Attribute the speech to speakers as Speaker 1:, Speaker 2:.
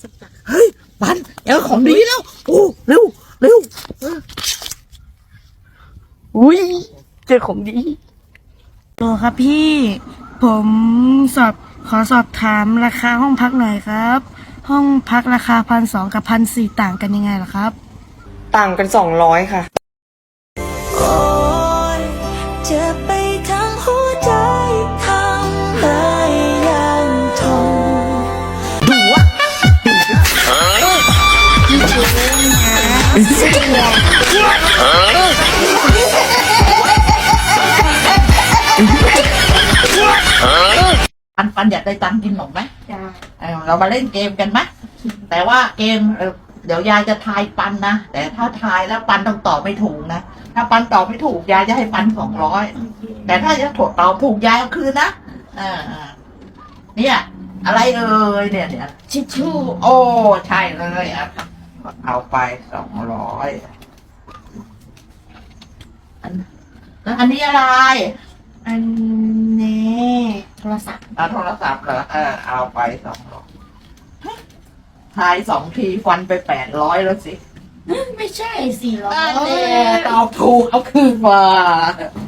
Speaker 1: เฮ้ยปันเจอของดีแล้วโอ้เร็วเร็วอุ้ยเจอของดี
Speaker 2: โหลครับพี่ผมขอสอบถามราคาห้องพักหน่อยครับ ห้องพักราคา1,200กับ1,400ต่างกันยังไงล่ะครับ
Speaker 3: ต่างกัน200ค่ะ
Speaker 4: โอ้ยเจ็บไปทั้งหัวใจทำเลยยังทน
Speaker 1: ปันอยากได้ตังค์กินหนมไหมเรามาเล่นเกมกันไหมแต่ว่าเกมเดี๋ยวยายจะทายปันนะแต่ถ้าทายแล้วปันต้องตอบไม่ถูกนะถ้าปันตอบไม่ถูกยายจะให้ปัน200แต่ถ้าจะตอบถูกยายเอาคืนนะเนี่ยอะไรเอ่ยเนี่ยชิชชู่โอ้ใช่เลยเอาไป200แล้วอันนี้อะไร
Speaker 2: อันนี้โทรศัพท์
Speaker 1: โทรศัพท์เหรอเอาไป200ทาย2 ทีฟันไป800แล้วสิ
Speaker 2: ไม่ใช่400
Speaker 1: ตอบถูกเอาคืนมา